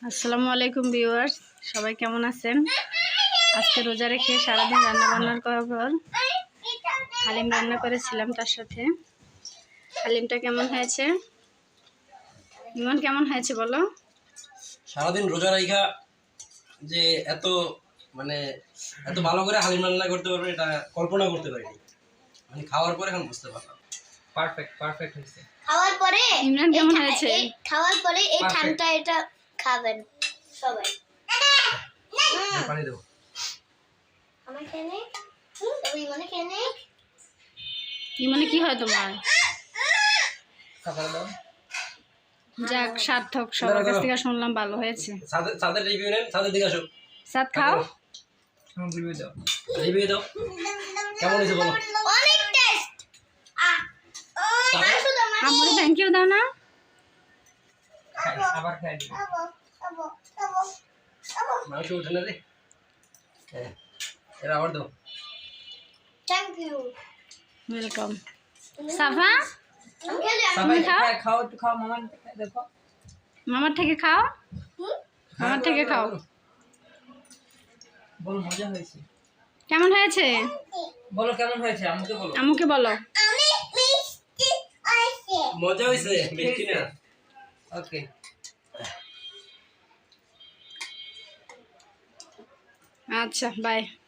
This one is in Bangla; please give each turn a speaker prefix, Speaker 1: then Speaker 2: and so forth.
Speaker 1: আসসালামু আলাইকুম ভিউয়ার্স, সবাই কেমন আছেন? আজকে রোজা রেখে সারাদিন রান্না বান্নার করার পর হালিম রান্না করেছিলাম। তার সাথে হালিমটা কেমন হয়েছে? ইমন কেমন হয়েছে বলো?
Speaker 2: সারাদিন রোজা রাখা যে এত এত ভালো করে হালিম রান্না করতে পারবে এটা কল্পনা করতে পারিনি। মানে খাওয়ার পরে এখন বুঝতে পারলাম পারফেক্ট হয়েছে।
Speaker 3: খাওয়ার পরে
Speaker 1: ইমরান কেমন হয়েছে?
Speaker 3: খাওয়ার পরে এই ঠান্ডা এটা খাবেন সবাই।
Speaker 2: পানি দেবো
Speaker 3: আমার খেয়ে তবে ইমনে খেয়ে
Speaker 1: ইমনে কি হয় তোমার?
Speaker 2: খাবার দাও।
Speaker 1: যাক, সার্থক। সবার কাছ থেকে শুনলাম ভালো হয়েছে।
Speaker 2: সাদের রিভিউ নেন, সাদের দিকে আসো।
Speaker 1: সাদ খাও,
Speaker 2: রিভিউ দাও কেমন হয়েছে বলো।
Speaker 3: অনেক টেস্ট।
Speaker 1: আমার থ্যাংক ইউ দাও না।
Speaker 2: আবার খাই দিই। মাংস উঠে না রে। হ্যাঁ, এরা আবার দাও।
Speaker 3: Thank you.
Speaker 1: ওয়েলকাম। সাফা
Speaker 3: আমি
Speaker 4: খাও একটু খাও মামা দেখো
Speaker 1: মামার থেকে খাও, মামার থেকে খাও।
Speaker 4: বলো মজা হয়েছে
Speaker 1: কেমন হয়েছে
Speaker 4: বলো কেমন হয়েছে আমাকে বলো
Speaker 1: আম্মুকে বলো।
Speaker 3: আমি মিষ্টি আছে।
Speaker 2: মজা হয়েছে মিষ্টি না।
Speaker 4: ওকে
Speaker 1: আচ্ছা, বাই।